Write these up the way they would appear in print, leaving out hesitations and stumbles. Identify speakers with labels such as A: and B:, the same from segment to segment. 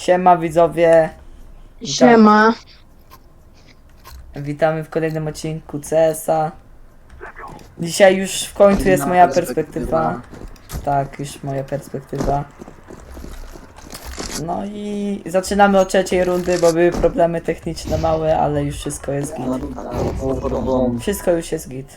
A: Siema widzowie,
B: Siema.
A: witamy w kolejnym odcinku CS-a. Dzisiaj już w końcu jest moja perspektywa. Tak, już moja perspektywa. No i zaczynamy od trzeciej rundy, bo były problemy techniczne małe, ale już wszystko jest git. Wszystko już jest git.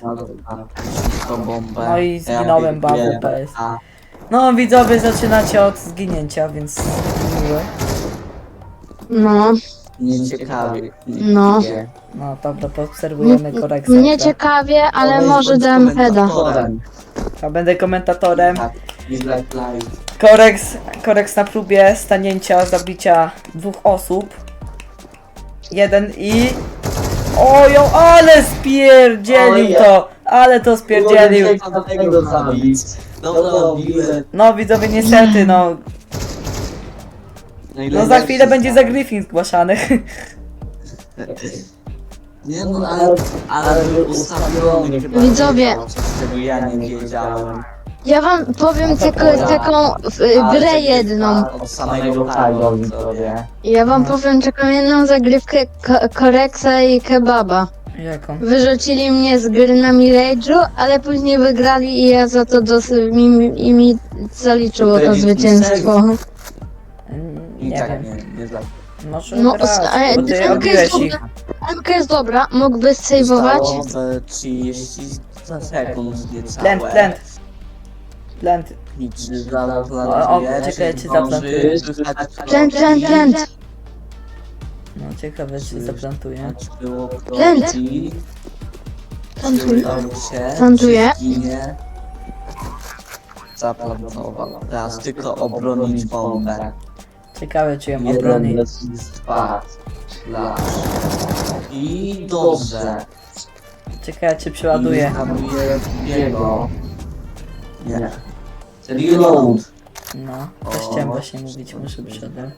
A: No i zginąłem, bawu PS. No widzowie, zaczynacie od zginięcia, więc miłe.
B: No,
C: Nieciekawie.
B: No.
A: No dobra, poobserwujemy koreksę.
B: mnie ciekawie, ale może dam heada.
A: Ja będę komentatorem.
C: Tak,
A: Koreks na próbie stanięcia, zabicia dwóch osób. Jeden i... Ojo, ale spierdzielił to! Ale to spierdzielił! No widzowie, niestety, no. No za chwilę będzie za Griffin zgłaszany.
C: Nie no, ale był ustawiony chyba.
B: Widzowie.
C: Czego ja nie wiedziałem.
B: Ja wam powiem taką grę jedną.
C: Od samego hajdu, widzowie.
B: Ja wam powiem taką jedną zagrywkę Koreksa i Kebaba.
A: Jaką?
B: Wyrzucili mnie z gry na Mirage'u, ale później wygrali i ja za to mi zaliczyło to zwycięstwo.
C: I
A: Nie
C: tak
A: wiem.
C: nie znam.
A: Może
B: No,
A: grać, bo ty
B: MK
A: obiłeś
B: jest
A: ich.
B: dobra, MK jest dobra, mógłbyś sejwować.
C: Zostało 30 sekund niecałe.
A: Plant. Plant.
C: I czy zaraz
A: O, czekaj, czy zaplantuje.
B: Plant.
A: No ciekawe, czy zaplantuje.
C: Było w
B: Plant.
C: Rosji.
B: Plantuj.
C: Udało się,
B: Plantuję.
C: czy zginie. Zaplantował. Teraz tylko obronić bombę.
A: Ciekawe, czy ją
C: Jeden
A: obroni.
C: dwa. Slash. I dobrze.
A: Ciekawe, czy przeładuje.
C: I hamuje drugiego. Nie. Reload.
A: No, też chciałem właśnie mówić, muszę przodem.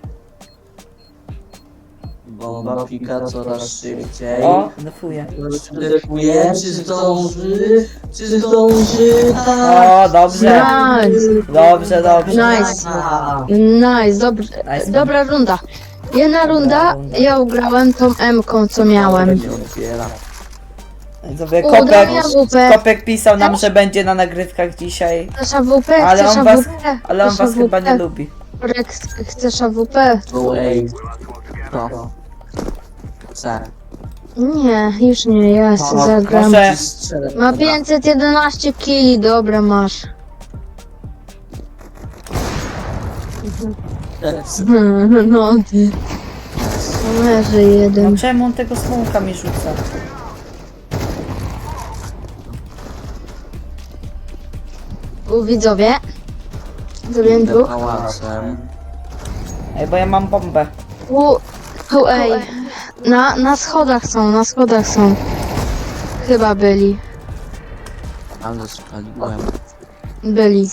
C: Bomba pika coraz szybciej.
A: O, defuje.
C: Defuje, czy zdąży? Czy zdąży?
A: O, dobrze.
B: Nice,
A: Dobrze.
B: nice, nice, dobrze.
A: Nice.
B: Dobra runda. Jedna runda, ja ugrałem tą M-ką, co miałem.
C: Nie otwiera.
A: Widzowie,
B: Ugrałem AWP.
A: Kopek pisał nam, że będzie na nagrywkach dzisiaj.
B: Chcesz AWP?
A: Ale
B: Chcesz
A: on was,
B: AWP?
A: ale on
B: Chcesz
A: was chyba nie
B: AWP?
A: lubi.
B: Koreks, chcesz AWP?
C: Go ej. To. C.
B: Nie, już nie, ja sobie zagram.
A: Może-
B: Ma 511 kili, dobra masz. No ty. Leży
A: No
B: jeden.
A: czemu on tego smoka mi rzuca?
B: Widzowie. Zrobiłem dwóch.
C: Pałacem.
A: Ej, bo ja mam bombę.
B: Ej. Na schodach są. Chyba byli.
C: Ale spaliłem.
B: Byli.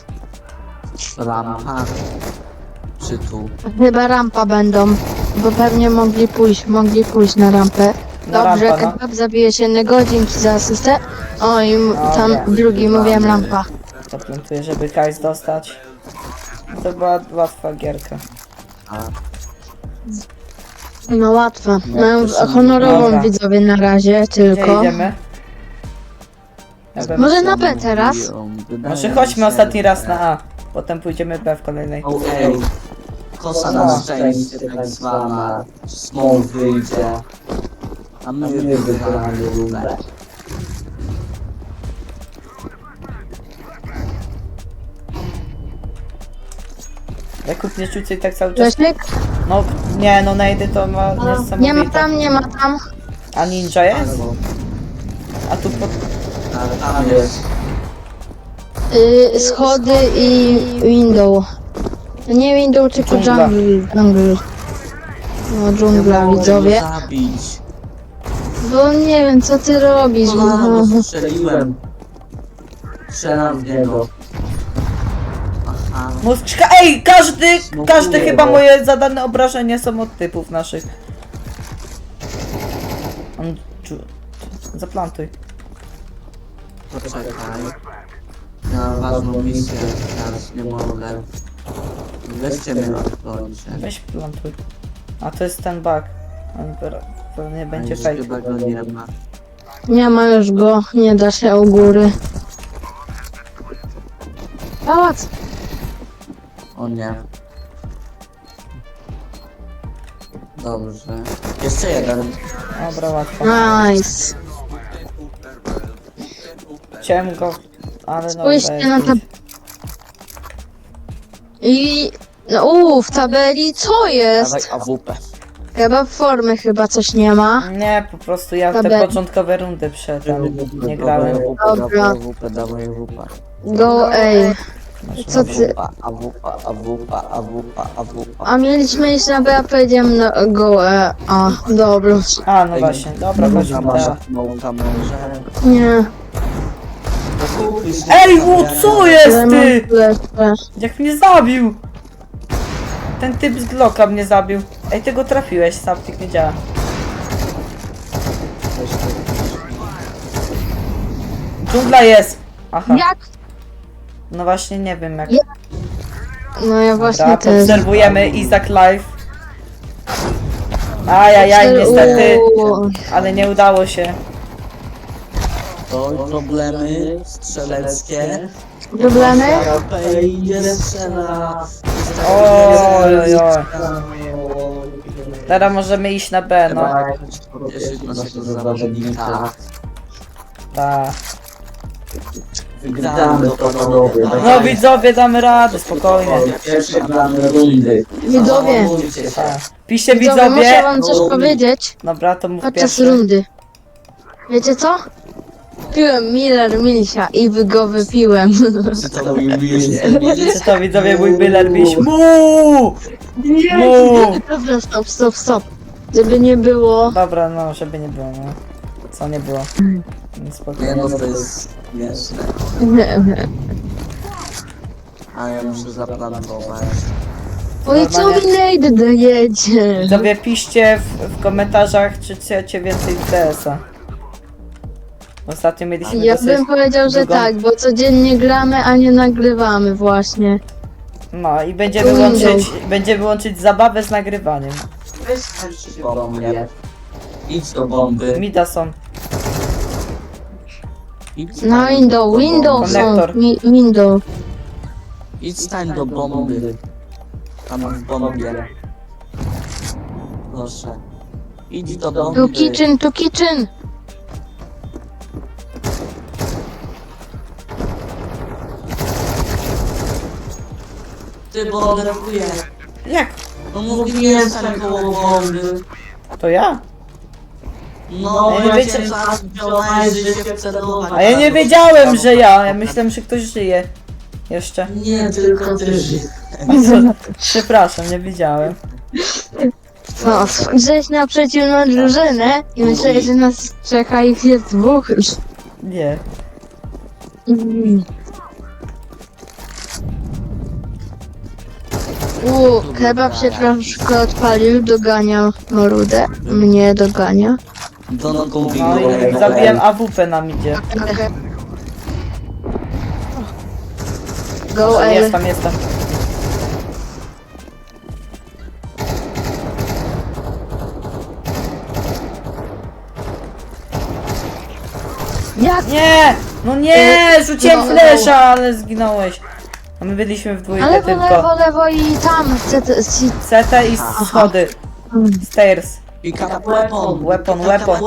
C: Rampa. Czy tu?
B: Chyba rampa będą. Bo pewnie mogli pójść na rampę.
A: Na
B: Dobrze,
A: rampa, no.
B: Kebab zabijesz jednego, dzięki za asystę. O i tam
A: Dobra.
B: drugi, mówiłem rampa.
A: Zaplantuję, żeby Kajs dostać. To była łatwa gierka.
C: A.
B: No łatwe. Mają honorową
A: Dobra.
B: widzowie na razie
A: Gdzie
B: tylko.
A: idziemy? Ja bym...
B: Może na B teraz?
A: Może chodźmy ostatni raz na A. Potem pójdziemy B w kolejnej.
C: O ej. Kosa na szczęście tak zwana. Small wyjdzie. A my wygramy rundę.
A: Jakub nie rzucaj tak cały czas.
B: Grzesiek?
A: No nie, no najdy to ma
B: Nie ma
A: niesamowite.
B: tam, nie ma tam.
A: A ninja jest? A tu pod...
C: Ale tam jest.
B: Schody i window. Nie window, tylko
A: Dżungla.
B: jungle. No dżungla widzowie.
C: Zabić.
B: Bo nie wiem co ty robisz.
C: No, strzeliłem. Strzelam w niego. Aha.
A: Mózgczka. Ej, każdy chyba moje zadane obrażenia są od typów naszych. On... Zaplantuj.
C: Poczekaj. Ja mam ważną misję, teraz nie mogę. Weźcie mnie odplońcie.
A: Weź plantuj. A to jest ten bug. On pewnie będzie
C: Już
A: fake.
C: chyba go nie ma.
B: Nie ma już go, nie da się u góry. Pałac!
C: O nie. Dobrze. Jeszcze jeden.
A: Dobra, łatwo.
B: Nice.
A: Chciałem go, ale no.
B: Spójrzcie na tab... I... No w tabeli co
C: Dawaj
B: jest?
C: AWP.
B: Chyba formy chyba coś nie ma.
A: Nie, po prostu ja te
B: Tabeli.
A: początkowe rundy przedtem nie grałem.
B: Dobra.
C: AWP, dawaj AWP.
B: Go ej. Co ty?
C: AWP.
B: A mieliśmy iść na B, a powiedziałem na go a, dobra.
A: A, no właśnie, dobra, chodźmy teraz.
C: Małka może.
B: Nie.
A: Ej, co jest ty?
B: Lepsze.
A: Jak mnie zabił! Ten typ z Glocka mnie zabił. Ej, ty go trafiłeś, Saptik nie działa. Dżungla jest! Aha,
B: Jak?
A: no właśnie nie wiem jak.
B: No ja właśnie
A: Dobra,
B: też.
A: obserwujemy Izak Live. Ajajaj, niestety,
B: Uuu.
A: ale nie udało się.
C: To problemy strzeleckie.
B: Problemy?
C: AWP idzie strzela.
A: Oj, oj, oj. Teraz możemy iść na B, no.
C: Cieszyć naszego zawodnika.
A: Tak.
C: Wygramy to panowie.
A: No widzowie, damy radę, spokojnie.
C: Pierwsze gramy rundy.
B: Widzowie.
C: Zachowujcie się.
A: Tak. Piszcie
B: Widzowie, muszę
A: widzowie.
B: wam coś powiedzieć
A: Dobra, to mów
B: podczas
A: pierwszy.
B: rundy. Wiecie co? Piłem Miller Milsia i go wypiłem.
C: Czy to mówiłeś?
A: Czy to widzowie mój Miller Miś? Mu!
B: Dobra, stop. Żeby nie było.
A: Dobra, no, żeby nie było, no. Co nie było? No,
C: Nie
A: spokojnie.
C: no, to jest śmieszne. A ja muszę zaplantować.
B: Oj, co mi Nate dojedzie?
A: Widzowie, piszcie w komentarzach, czy chcecie więcej CS-a. Ostatnio mieliśmy
B: Ja
A: dosyć...
B: bym powiedział, że
A: drugą-
B: tak, bo codziennie gramy, a nie nagrywamy właśnie.
A: No i będziemy łączyć zabawę z nagrywaniem.
C: Weź do mnie. Idź do bomby.
A: Mida są.
C: Idź
B: Na
C: stań
B: window,
C: do
B: window
C: bomby.
B: są,
A: Konektor.
B: window.
C: Idź stań do bomby. Tam w bombie. Proszę. Idź do bomby.
B: Tu kitchen.
C: Ty bombarduję.
A: Jak?
C: No mówiłem stań koło bomby.
A: To ja?
C: No,
A: Ja nie
C: ja
A: wiecie-
C: cię zaraz wziąłeś, że się wcelować.
A: A ja nie wiedziałem, że ja. Ja myślałem, że ktoś żyje. Jeszcze.
C: Nie, tylko ty żyjesz.
A: Przepraszam, nie wiedziałem.
B: No, spojrzeć na przeciwną drużynę i myśleć, że nas czeka ich jest dwóch już.
A: Nie.
B: Kebab się troszkę odpalił, dogania Morudę. Mnie dogania.
C: Don't go
A: No i zabiłem AWP nam idzie.
B: Go L.
A: Jestem.
B: Jak?
A: Nie! No nie! Rzuciłem
B: No.
A: flesza, ale zginąłeś. A my byliśmy w dwójkę
B: Ale
A: tylko.
B: lewo i tam.
A: CT i schody. Stairs.
C: Pick up weapon.
A: Weapon.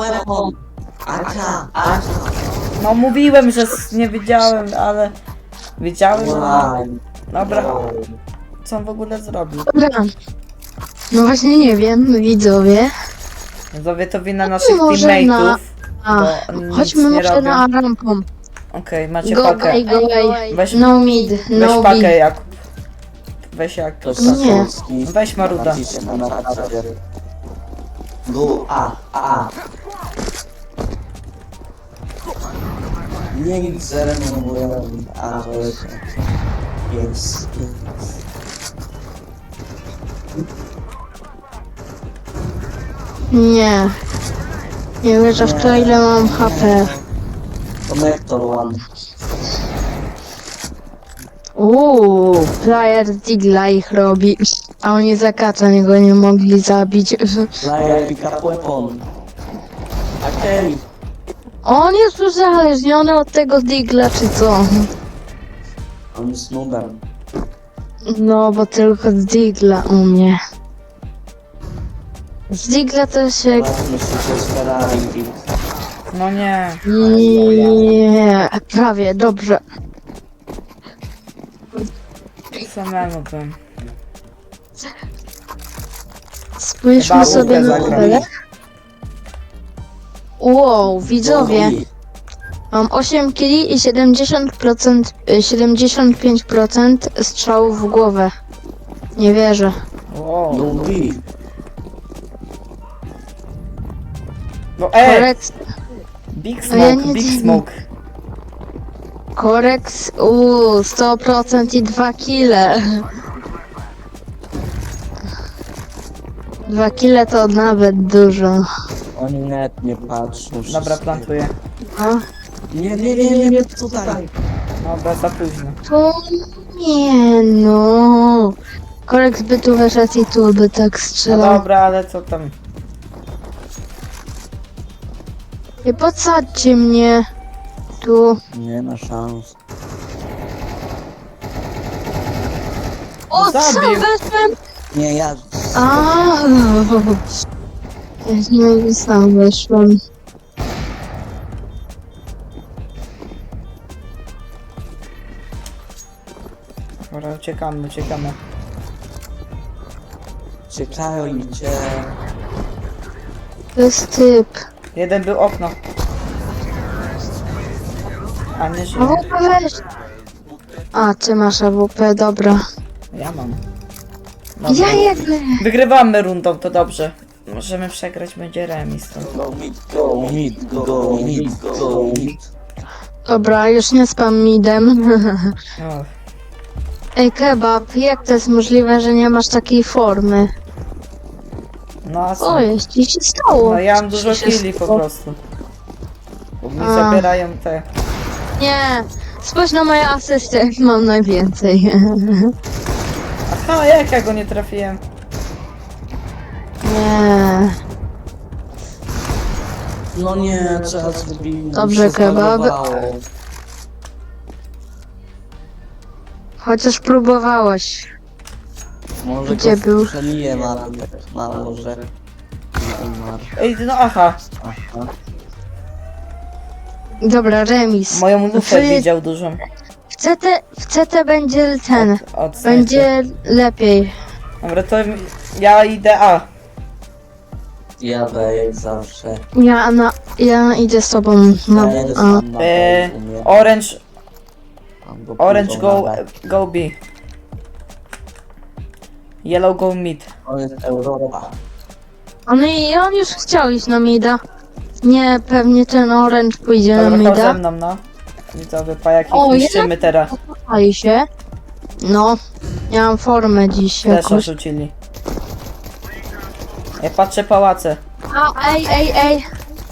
C: Aka.
A: No mówiłem, że nie wiedziałem, ale... Wiedziałem, no. Dobra. Co on w ogóle zrobił?
B: Dobra. No właśnie nie wiem, widzowie.
A: Widzowie, to wina naszych
B: może
A: teammateów.
B: A,
A: Bo nic
B: chodźmy
A: nie
B: może
A: robią.
B: na rampą.
A: Okej, macie
B: Go
A: pakę.
B: away, go away.
A: Weź,
B: No mid,
A: weź
B: no
A: pakę,
B: B.
A: Jakub. Weź jak.
C: To
B: Nie.
A: Weź Maruda.
C: Go A. Nie nic zero nie mówię. A to jest.
B: Nie. Nie wierzę w to, ile mam HP.
C: Konektor one.
B: Player Digla ich robi, a oni zakacza go nie mogli zabić.
C: Player pick up weapon. Okej.
B: On jest uzależniony od tego Digla, czy co?
C: On jest nudem.
B: No, bo tylko z Digla umie. Z Digla to się...
C: Właśnie myślę, że Ferrari.
A: No nie.
B: Nie, prawie, dobrze.
A: Samemu bym.
B: Spójrzmy
A: Chyba
B: sobie
A: Łukę
B: na
A: zagrał.
B: tabelę. Wow, widzowie. Mam 8 killi i 70%, 75% strzałów w głowę. Nie wierzę.
A: Wow.
C: Lubi.
A: No
B: Koreks,
A: Big
B: A ja
A: smoke,
B: nie
A: big
B: dziwię.
A: smoke.
B: koreks, 100% i 2 kile. 2 kile to nawet dużo.
C: Oni net nie patrzą.
A: Dobra, plantuję.
B: A?
C: Nie, tutaj.
A: Dobra, za późno.
B: To nie no. Koreks by tu wyszedł i tu by tak
A: No
B: strzelał.
A: dobra, ale co tam?
B: Nie podsadźcie mnie. Tu.
C: Nie ma szans.
B: O, co
A: Zabił.
B: weszłem?
C: Nie, ja...
B: A, nie sam weszłem.
A: Dobra, uciekamy, uciekamy.
C: Czekają i cię...
B: To jest typ.
A: Jeden był okno. A nie żyje.
B: AWP weź. A, ty masz AWP, dobra.
A: Ja mam.
B: Ja jakby.
A: Wygrywamy rundą, to dobrze. Możemy przegrać, będzie remis. To.
C: Go mid, go mid, go mid, go mid.
B: Dobra, już nie spam midem.
A: O,
B: Ej, kebab, jak to jest możliwe, że nie masz takiej formy?
A: no a co?
B: O, jest ci się stało.
A: No ja mam
B: Co
A: dużo
B: się
A: killi po
B: stało?
A: prostu. Bo mi
B: A.
A: zabierają te...
B: Nie, spójrz na moje asysty, mam najwięcej.
A: Aha, jak ja go nie trafiłem?
B: Nie.
C: No nie, trzeba zrobić...
B: Dobrze, kebab. Chociaż próbowałeś.
C: Może
B: Gdzie
C: go
B: był?
C: strzeliłem, ale tak mało, że... Nie umarł.
A: Ej, no aha.
C: Aha.
B: Dobra, remis.
A: Moją lufę
B: Wy-
A: widział dużą.
B: W CT będzie ten.
A: Od snajpy.
B: Będzie lepiej.
A: Dobra, to ja idę A.
C: Jadę jak zawsze.
B: Ja idę z tobą. No,
C: Ja jedę
B: a.
C: sam na
A: E,
C: boku, nie?
A: Orange,
C: Tam go
A: orange
C: pójdą
A: go,
C: na B.
A: go B. Yellow go mid.
C: To jest Europa.
B: A no i on już chciał iść na mida. Nie, pewnie ten orange pójdzie na
A: Dobra, chodź ze
B: mida.
A: mną, no. Widzowie, pajaki
B: O,
A: niszczymy teraz.
B: Pali się. No, ja mam formę dziś
A: Też
B: jakoś.
A: rzucili. Ja patrzę pałace.
B: A, ej.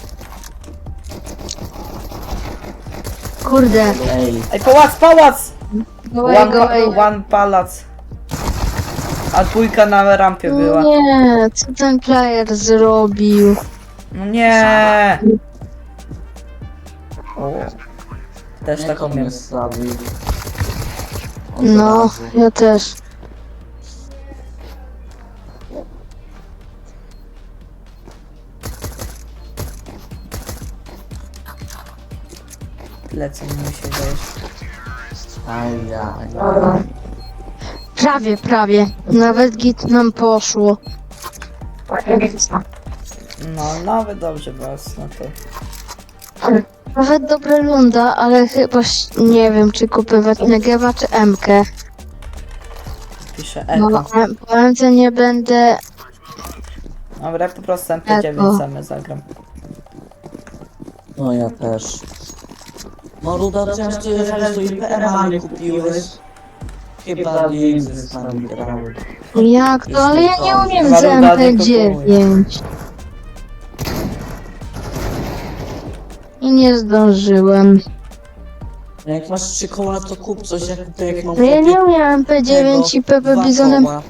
B: Kurde.
C: Ej,
A: Ej, pałac!
B: Go away.
A: One palac. A dwójka na rampie była.
B: Nie, co ten player zrobił?
A: No nie! O. Też
C: jak
A: tak
C: on
A: umiem.
C: mnie slawił. Od
B: No,
C: razu.
B: ja też.
A: Lecę mi się dajesz.
C: Ajaj.
B: Prawie. Nawet git nam poszło.
A: No, nawet dobrze was, no to.
B: Nawet dobra lunda, ale chyba nie wiem, czy kupywać Negewa czy MK.
A: Piszę
B: No,
A: Eko.
B: po MK nie będę.
A: Dobra, po prostu MP9
B: Eko.
A: same zagram.
C: No ja też. No Ruda, chociaż ty jechałeś do IPM-a nie kupiłeś. Chyba nie z nami grał.
B: Jak to? Ale ja nie umiem z
A: Chyba Ruda nie
B: MP9. I nie zdążyłem.
C: Jak masz 3 koła, to kup coś, jak mam
B: No ja nie
C: kupić
B: umiem MP9 i PP
C: 2
B: Bizonem.
C: koła.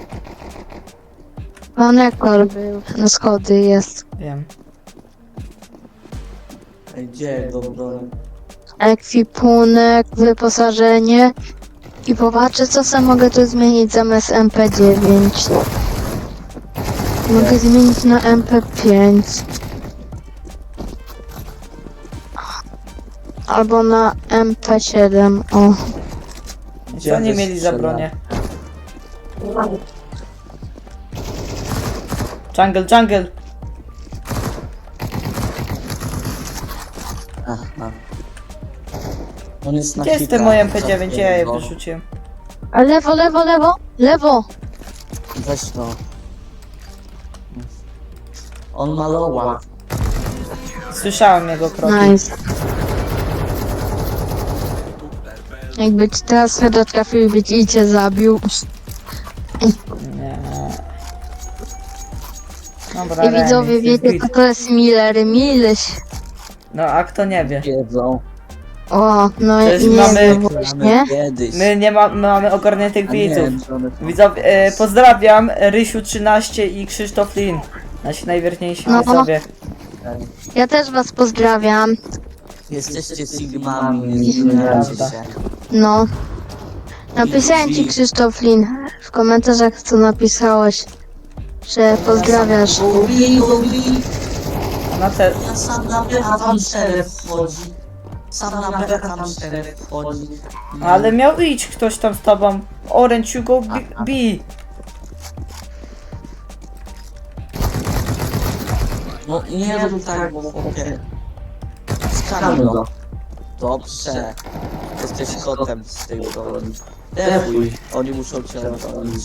B: Konektor był. Na schody jest.
A: Wiem.
C: Ej, gdzie go broń?
B: Ekwipunek, wyposażenie. I popatrzę, co sam mogę tu zmienić zamiast MP9. Mogę zmienić na MP5. Albo na MP7, o.
A: Co oni mieli za bronię? Jungle.
C: Aha. On jest na
A: Gdzie jest
C: hita,
A: te moje MP9? Gdzie ja je
C: zapierdol.
A: wyrzuciłem?
B: A lewo, lewo, lewo, lewo!
C: Weź to. On ma loła.
A: Słyszałem jego kroki.
B: Nice. Jakby ci teraz chyba trafił, by ci cię zabił.
A: Nie. Dobra,
B: I widzowie
A: remis, jest
B: wiecie,
A: git.
B: co to jest Miller, Mileś.
A: No a kto nie wie?
C: Wiedzą.
B: O, no
A: Przecież
B: i nie
A: mamy-
B: wiem właśnie.
C: Kiedyś.
A: My mamy ogarniętych
C: A nie,
A: widzów.
C: że one to-
A: Widzowie, pozdrawiam Rysiu13 i Krzysztof Lin. Nasi najwierniejsi
B: No.
A: widzowie.
B: Ja też was pozdrawiam.
C: Jesteście sigmami, nie zmieniacie
A: Prawda.
C: się.
B: No. Napisałem ci Krzysztof Lin w komentarzach, co napisałeś. Że pozdrawiasz.
C: Gubi.
A: Na te...
C: Ja sam na becha tam szereg wchodzi. Sam na becha tam szereg wchodzi.
A: Ale miał iść ktoś tam z tobą. Orange, you go B.
C: No nie rób tak, bo chłopie. Skanuj go. Dobrze. Jesteś kotem z tej broni. Defuj. Oni muszą cię obronić.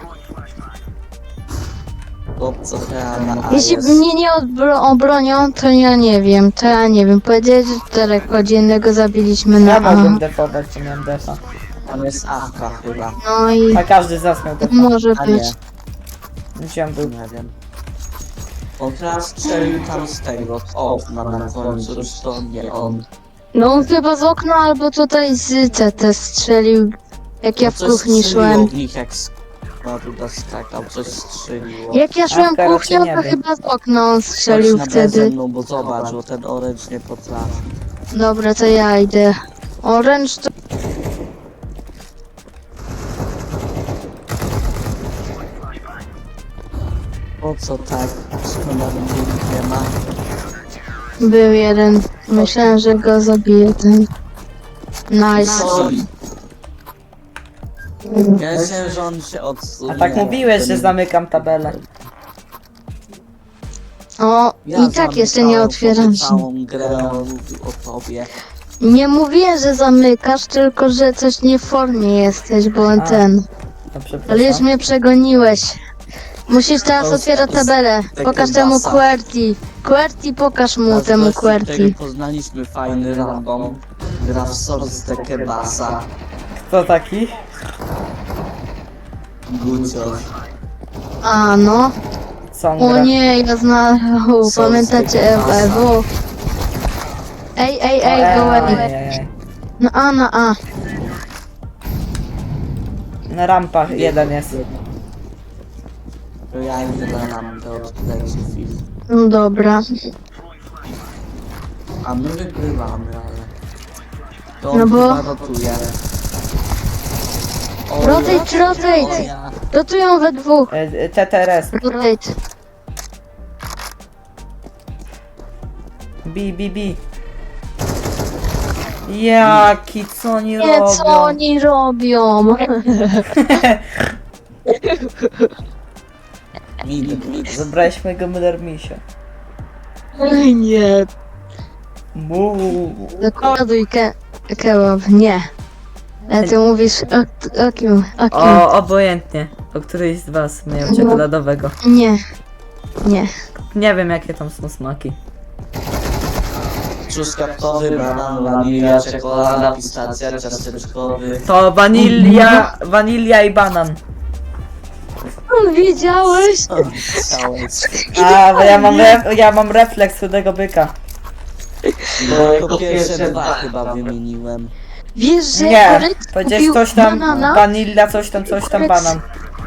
C: Chłopco trzeba na A
B: Jeśli
C: jest.
B: mnie nie obronią, to ja nie wiem. To ja nie wiem. Powiedzieli, że 4 godzinnego zabiliśmy
A: Ja
B: na A.
A: mogłem defować, to miałem defa.
C: Tam jest Awka chyba.
B: No i
A: A każdy z nas miał defa.
B: może
C: A
B: być.
A: Gdzie on był?
C: Nie wiem. On teraz strzelił tam z tego, okna na końcu, już to nie on.
B: No on chyba z okna albo tutaj z CT strzelił. Jak ja w
C: Coś
B: kuchni
C: strzeliło
B: szłem.
C: w nich jak Maruda skakał, coś strzeliło.
B: Jak ja szłem
A: Afka raczej
B: kuchnią,
A: nie
B: to
A: wiem.
B: chyba z okna on strzelił
C: Chodź na B ze
B: wtedy.
C: mną, bo zobacz, bo ten orange nie potrafi.
B: Dobra, to ja idę. Orange to...
C: Po co tak? Szkoda, że nikt nie ma.
B: Był jeden. Myślałem, że go zabije ten. Nice.
C: Sorry. Ja myślałem, że on się odsunie.
A: A tak mówiłeś, że zamykam tabelę.
B: O,
C: Ja
B: i tak jeszcze nie
C: zamykałem
B: otwieram się.
C: całą grę, on mówił o tobie.
B: Nie mówiłem, że zamykasz, tylko że coś nie w formie jesteś, bo
A: A.
B: ten.
A: No
B: Ale już
A: przepraszam.
B: mnie przegoniłeś. Musisz teraz
C: To
B: otwierać tabelę. Pokaż temu
C: basa.
B: QWERTY. QWERTY, pokaż mu temu
C: Teraz
B: QWERTY.
C: tego poznaliśmy fajny random. Gra w Source the Kebasa.
A: Kto taki?
C: Gucior.
B: A no.
A: Co on
B: O
A: gra?
B: nie, ja znam. Pamiętacie Ewo? Ej, go away.
A: Ojej.
B: Na A.
A: Na rampach jeden jest.
C: To ja idę na rampę odkleci film.
B: No dobra.
C: A my wygrywamy, ale... To
B: No
C: on
B: bo-
C: chyba rotuje. O
B: Rotate,
C: ja,
B: rotate.
C: o ja.
B: Rotują we dwóch.
A: TTRS.
B: Rotate.
A: B. Jaki, co oni
B: Nie,
A: robią?
B: co oni robią?
C: Mid.
A: Zabrałeś mojego Miller-Misia.
B: Oj, nie.
A: Muuu.
B: Dokładuj kebab. Nie. Ale ty mówisz o kim? O kim?
A: O, obojętnie. O któryś z was miał czekoladowego.
B: Nie. Nie.
A: Nie wiem jakie tam są smaki.
C: Truskawkowy, banan, wanilia, czekolada, pistacja, ciasteczkowy.
A: To wanilia i banan.
B: Widziałeś?
C: Całe.
A: A, bo ja mam refleks chudego byka.
C: Bo jako pierwsze dwa chyba wymieniłem.
B: Wiesz, że
A: Nie,
B: Korek
A: powiedziałeś
B: skupił
A: coś tam,
B: banana?
A: vanilla, coś tam, banan.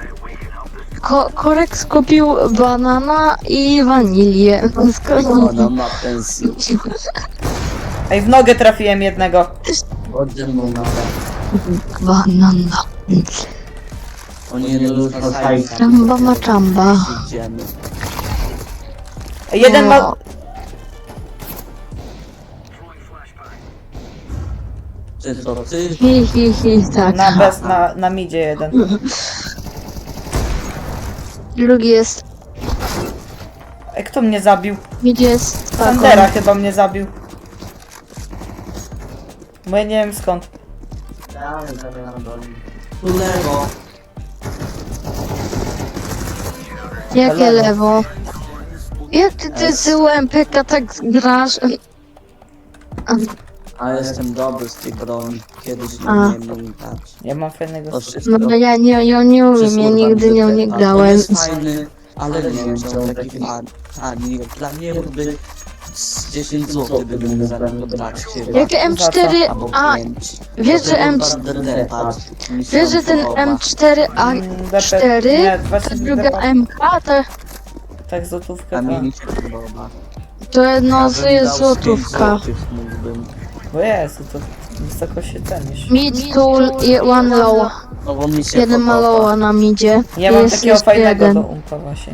B: Korek skupił banana i wanilię.
C: Ona ma pensję.
A: Ej, w nogę trafiłem jednego.
C: Ode mną na
B: Banana.
C: Oni nie dorzucali tam.
B: Czamba ma czamba.
C: Idziemy.
A: Ej, jeden ma...
B: No.
C: Czy to ty?
B: Hi, tak.
A: Na midzie jeden.
B: Drugi jest.
A: Ej, kto mnie zabił?
B: Gdzie jest
A: Sandera chyba mnie zabił. Bo ja nie wiem skąd.
C: Tu lewo.
B: Jakie lewo? Jak ty z UMPK tak grasz?
C: A jestem dobry z tej broni. Kiedyś nie
B: A.
C: umiem grać.
A: Ja mam fajnego...
C: To wszystko.
B: No ja nie umiem, ja nigdy nią nie
C: On
B: grałem.
C: jest fajny, ale nie wiem, czy on taki ani dla mnie by z 10 zł by mógł za niego brać chyba.
B: Jak M4,
C: Albo
B: a
C: 5.
B: wiesz, że wiesz, że ten M4A4,
A: Nie,
B: ta
A: właśnie
B: druga MK,
A: tak złotówkę
C: A mi
A: to...
C: nie się podoba.
B: to jedno
C: Ja bym
B: jest
C: dał z 5
B: złotówka.
C: złotych mógłbym.
A: Bo Jezu, to wysoko się cenisz.
B: Mid tool i one low.
C: No bo mi się
B: Jeden ma
C: podoba.
B: lowa na midzie.
A: Ja mam
B: Jest
A: takiego
B: jeszcze
A: fajnego
B: jeden.
A: do umpa właśnie.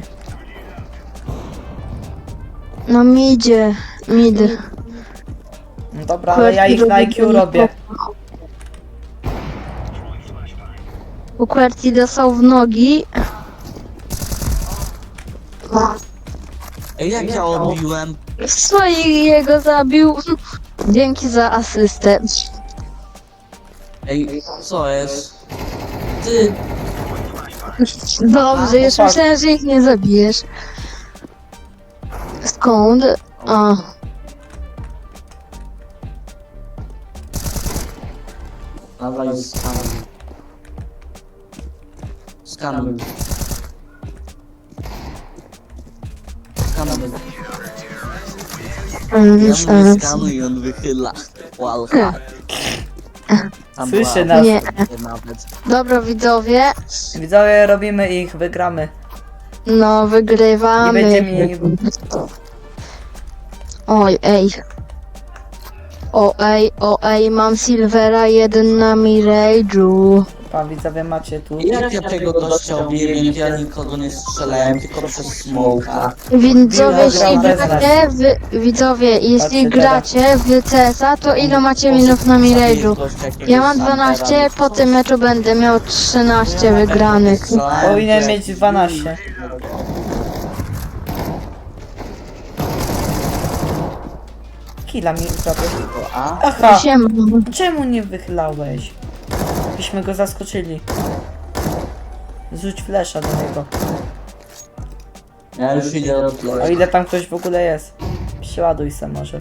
B: Na midzie. Mid.
A: No dobra, ale ja ich na IQ robię.
B: U QWERTY dostał w nogi.
C: Ej, jak ja odbiłem?
B: Jego zabił. Dzięki za asystę.
C: Ej, co jest? Ty,
B: Dobrze, już
A: chłopak.
B: myślałem, że ich nie zabijesz. Skąd? A.
C: dawaj skanuj. Skanuj. Skanuj. Ja mówię skanuj i on wychyla. Wallhack. Tam
A: Słyszę
C: była
A: nas.
B: Nie.
C: nawet.
B: Dobra widzowie,
A: Widzowie, robimy ich, wygramy.
B: no
A: Nie
B: wygrywamy.
A: będzie mi...
B: Oj, ej. O ej, mam Silvera 1 na Mirage'u.
A: Pan widzowie macie tu.
C: Jak ja tego gościa obiegłem, ja nikogo nie strzelałem, tylko przez smoka.
B: Widzowie, jeśli
A: Dobra,
B: gracie, widzowie, jeśli
A: Patrzcie
B: gracie w CS-a, to ile macie minut na Mirage'u? Ja mam 12, po tym meczu będę miał 13 wygranych.
A: Powinien mieć 12. Killa mi zrobił.
C: A?
A: Aha!
B: Siema.
A: Czemu nie wychylałeś? Byśmy go zaskoczyli. Rzuć flesza do niego.
C: Ja już idę od
A: O
C: tle.
A: ile tam ktoś w ogóle jest. Przeładuj se może.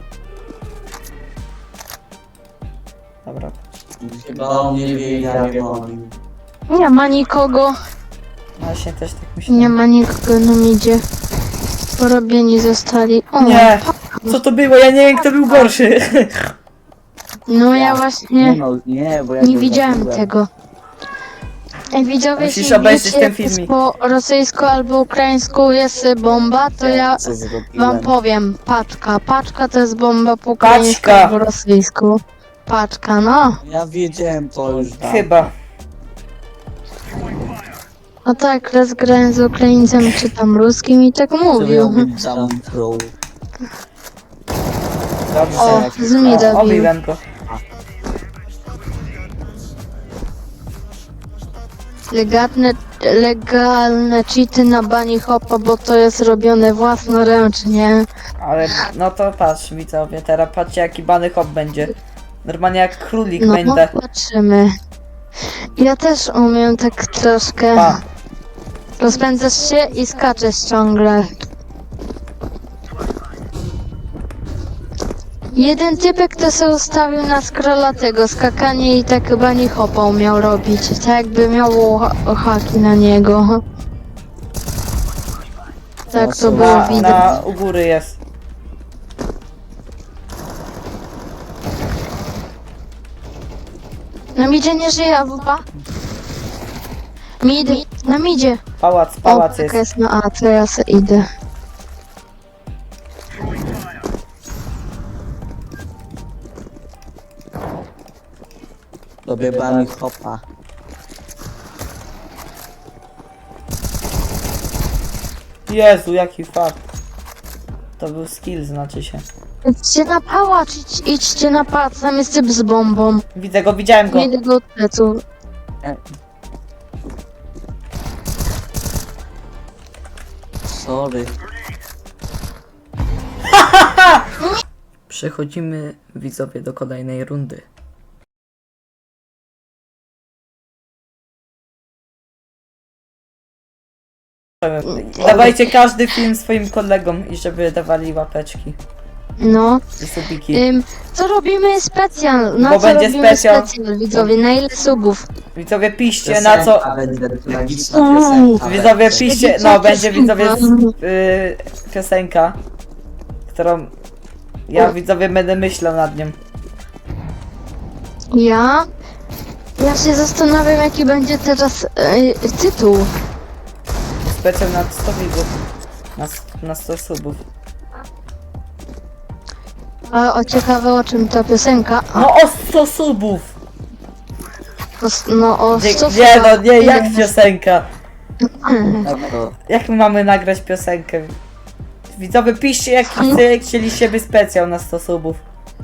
A: Dobra.
C: Chyba on nie wie, ja wiem o nim.
B: Nie ma nikogo,
A: No właśnie też tak myślałem.
B: nie ma nikogo na midzie. Porobieni zostali. O,
A: Nie! Co to było? Ja nie wiem kto był gorszy.
B: no ja właśnie
C: no, nie, bo ja
B: nie
C: go
B: widziałem
C: zabiłem.
B: tego. Ej, widzowie,
A: Musisz
B: jeśli
A: obejrzeć
B: wiecie,
A: ten
B: jak jest
A: filmik.
B: po rosyjsku albo ukraińsku jest bomba, to ja
C: Co zrobiłem?
B: wam powiem. Paczka. Paczka to jest bomba po ukraińsku
A: Paczka.
B: albo rosyjsku. Paczka, no.
C: Ja wiedziałem to już tam.
A: Chyba.
B: No tak, raz grałem z Ukraińcem czy tam ruskim i tak
C: To miał
B: mówił.
C: być jump pro.
A: Dobrze.
B: O, z mida bił.
A: Obiłem go.
B: Legalne cheaty na Bunny Hopa, bo to jest robione własnoręcznie.
A: Ale no to patrz widzowie, teraz patrzcie jaki bany hop będzie. Normalnie jak królik
B: No,
A: będę.
B: patrzymy. Ja też umiem tak troszkę.
A: Pa.
B: Rozpędzasz się i skaczesz ciągle. Jeden typek to sobie ustawił na scrolla tego skakanie i tak chyba nie hopa umiał robić. Tak jakby miało haki na niego. Tak to było widać.
A: U góry jest.
B: Na midzie nie żyje AWP. Mid, na midzie.
A: Pałac
B: Jaka
A: jest.
B: jest na A, to ja se idę.
C: Robię bunny hopa.
A: Jezu, jaki fart. To był skill, znaczy się.
B: Idźcie na pałac, idźcie na pałac, tam jest typ z bombą.
A: Widzę go, widziałem go.
B: Nie idę go od pleców.
C: Sorry.
A: Przechodzimy, widzowie, do kolejnej rundy. Dawajcie każdy film swoim kolegom i żeby dawali łapeczki
B: No.
A: i subiki.
B: Co robimy specjal? Na
A: Bo
B: co
A: będzie
B: robimy
A: specjal.
B: widzowie? Na ile subów?
A: Widzowie, piszcie na co...
C: Będzie tragiczna piosenka.
A: Widzowie, piszcie... No, będzie widzowie piosenka, którą... Ja, widzowie, będę myślał nad nią.
B: Ja? Ja się zastanawiam, jaki będzie teraz tytuł.
A: Specjal na 100 widzów. Na 100 subów.
B: A o ciekawe, o czym ta piosenka?
A: No o 100 subów!
B: No o
A: Nie,
B: co
A: nie no, nie, jak piosenka?
C: Tak to.
A: Jak my mamy nagrać piosenkę? Widzowie, piszcie jaki chcieliście by specjal na 100 subów.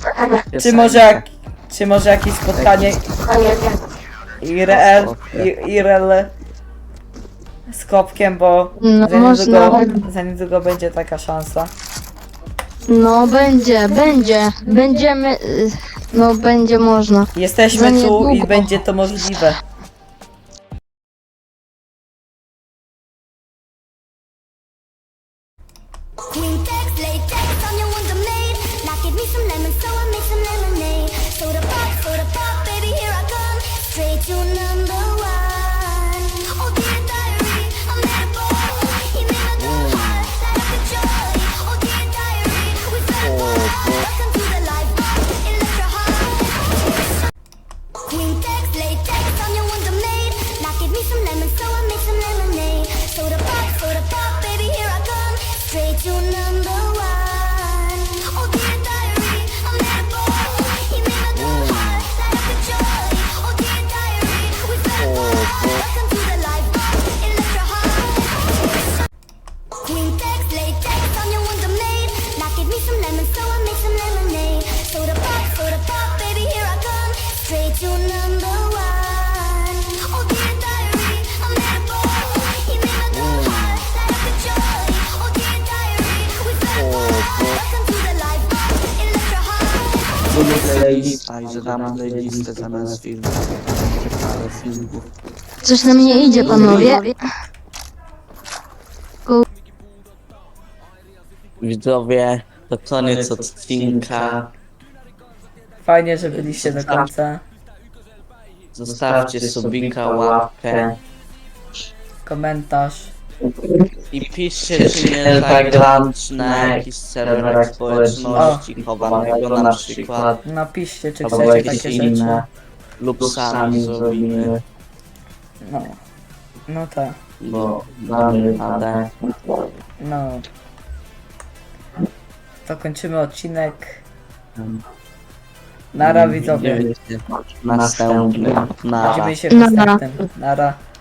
A: Czy może jakieś spotkanie IRL z Kopkiem, bo
B: No,
A: za niedługo będzie taka szansa.
B: No będziemy, no będzie można. Za
A: Jesteśmy tu
B: niedługo.
A: i będzie to możliwe.
D: Quintex, latex on your wonder made. Now give me some lemon, so I make some lemonade. Soda pop, baby, here I come. Straight to number one. Oh dear diary, I'm at a ball. You made my door hot, light up the joy. Oh dear diary, we fell apart. Welcome to the life bar, electro high. Quintex, latex on your wonder made. Now give me some lemon, so I make some lemonade. Soda pop, baby, here I come. Straight to number one. Oh dear diary, I'm at a ball. You made my door hot, light up the joy. Oh dear diary, we fell apart. Welcome to the life bar, electro high. Quintex, latex on your wonder made. Now give me some lemon, so I make some lemonade. Soda pop, baby, here I come. Straight to number one. Oh dear diary, I'm at a ball. You made my door hot, light up the joy. Oh dear diary, we fell apart. Welcome to the life bar, electro high.
C: Lubię playlista i że dam playlistę zamiast filmów. Ale filmów.
B: Coś na mnie idzie, panowie.
C: Widzowie, to koniec odcinka.
A: Fajnie, że byliście do końca.
C: Zostawcie subika, łapkę
A: Komentarz.
C: i piszcie, czy nie zagrać na jakichś serwerach społeczności chowanego na przykład,
A: Napiszcie, czy
C: albo
A: chcecie
C: jakieś
A: takie
C: inne,
A: rzeczy.
C: lub sami zrobimy,
A: No. No tak.
C: bo damy radę.
A: No. To kończymy odcinek. Nara, widzowie.
C: Następny. Nara.
A: Widzimy się w
B: Nara.
A: następnym. Nara.